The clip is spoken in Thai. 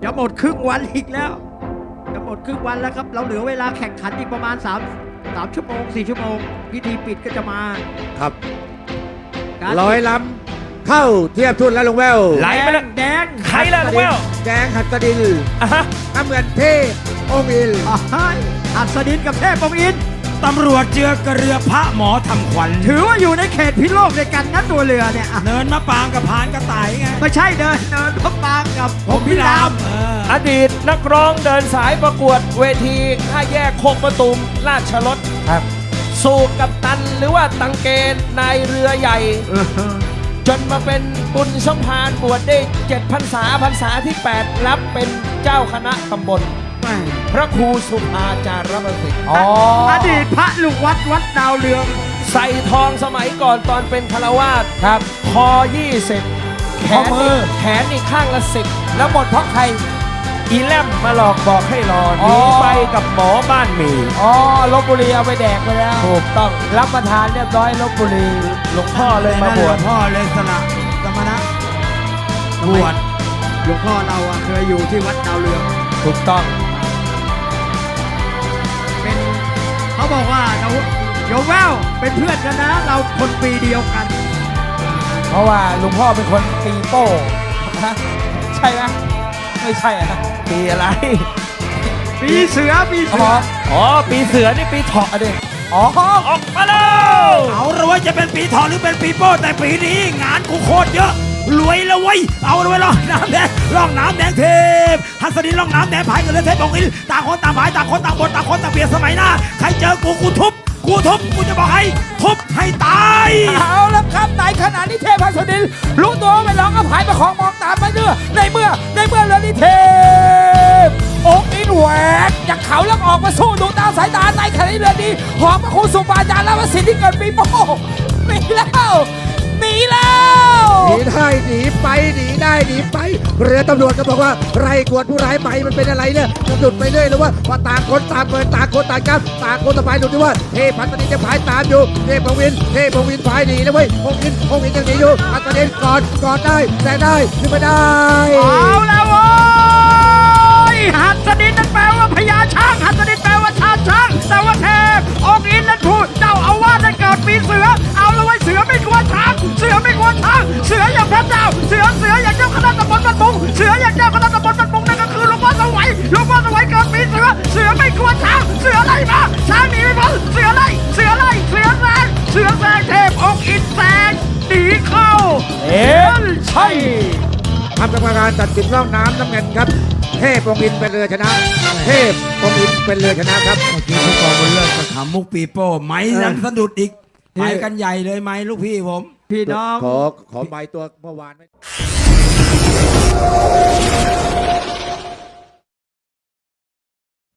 จะหมดครึ่งวันอีกแล้วจะหมดครึ่งวันแล้วครับเราเหลือเวลาแข่งขันอีกประมาณ3 ชั่วโมง4 ชั่วโมงพิธีปิดก็จะมาครับการร้อยลำเข้าเทียบทุนแล้วลงแววไหลไปแล้วแดงใครล่ะลุงแววแดงหัตถดินอ่ะฮะน้ำเงินเทพองค์อินอัศดินกับเทพปองอินตำรวจเจือกระเรือพระหมอทำขวัญถือว่าอยู่ในเขตพิโลกด้วยกันนะตัวเรือเนี่ยอ่ะเนินมะปางกับพานกระต่ายไงไม่ใช่เดินพบปางกับผมพิรามอดีตนักร้องเดินสายประกวดเวทีท่าแยกโคกประตุมราชรถครับสู่กับตันหรือว่าตังเกณฑ์นายเรือใหญ่ จนมาเป็นบุญสมภารบวชได้7 พรรษาพรรษาที่ 8 รับเป็นเจ้าคณะตำบล พระครูสุภาจารประสิทธิ์อดีตพระลูกวัดดาวเรืองใส่ทองสมัยก่อนตอนเป็นคารวาสครับคอ 20 แขข้อน มือแขนอีกข้างละ 10 แล้วหมดเพราะใครอีแลมมาหลอกบอกให้รอหอ๋นีอไปกับหมอบ้านหมีอ๋อลบบุรีเอาไปแดกไปแล้วถูกต้องรับประทานเรียบร้อยลบบุรีหลวงพ่อเลยมาบวชพ่อเลยสละสมณะบวชหลวงพ่อเราอะเคยอยู่ที่วัดดาวเรืองถูกต้องเป็นเขาบอกว่าเราโยแววเป็นเพื่อนกันนะ เราคนปีเดียวกันเพราะว่าหลวงพ่อเป็นคนปีโป้ฮะใช่ไหมไม่ใช่อะปีอะไรปีเสือปีเขาเสืบออกอ๋อ ปีเสือนี่ปีเถาะดิอ๋อออกมาแล้วเอาละเว้ยจะเป็นปีทองหรือเป็นปีโป้แต่ปีนี้งานกูโคตรเยอะรวยแล้วเว้ยเอาละเว้ยล่องน้ำแดงล่องน้ำแดงเทพฮัสดินล่องน้ำแดงพายกันเลยเทพองค์อินต่างคนต่างพายต่างคนต่างบนต่างคนต่างเบียดสมัยหน้าใครเจอกูทุบกูจะบอกให้ทุบให้ตายเอาแล้วครับในขณะนี้เทพฮัสดินรู้ตัวว่าไม่ร้องก็พายประคองมองตามไปเนื้อในเมื่อเรือนี้เทพองค์อินแหวกจากเขาแล้วออกมาสู้ดูตามสายตาในขณะนี้เรือนี้หอมพระคุณสุบาจารย์และวสิทธิ์ที่เกิดปีโป้หนีแล้วหนีได้หนีไปหนีได้หนีไป เรือตำรวจก็บอกว่าไรกวดผู้ร้ายไปมันเป็นอะไรเนี่ยจะหลุดไปเรื่อยหรือว่าพอต่างคนต่างเปิดต่างคนต่างจับต่างคนต่างพายหลุดด้วยว่าเทพพัฒนีจะพายตามอยู่เทพองค์วินพายหนีนะเว้ยองค์อินยังหนีอยู่พัฒนีกอดได้แต่ได้ขึ้นไม่ได้เอาแล้วโว้ยหัสดินนั้นแปลว่าพญาช้างหัสดินแปลว่าชาติช้างแต่ว่าเทพองค์อินนั้นถูกเจ้าอาวาสนั้นเกิดปีเสือเอาแล้วไว้ยเสือไม่กลัวช้างเสือไม่กลัวช้างเสืออย่างพระเจ้าเสืออย่างเจ้าคณะตำบลบ้านบุงเสืออย่างเจ้าคณะตำบลบ้านบุงนั่นก็คือหลวงพ่อสวัยเกิดปีเสือไม่กลัวช้างเสือไล่มาช้างหนีไม่พ้นเสือแซงเทพองค์อินแซงหนีเข้าใช่ทำกรรมการตัดสินร่องน้ำน้ำเงินครับเทพองค์อินเป็นเรือชนะเทพองค์อินเป็นเรือชนะครับเมื่อกี้ผู้กองบุญเลิศกับขำมุกปีโป้ไม้ยังสะดุดอีกไปกันใหญ่เลยไหมลูกพี่ผมพี่น้องขอใบตัวเมื่อวานไหม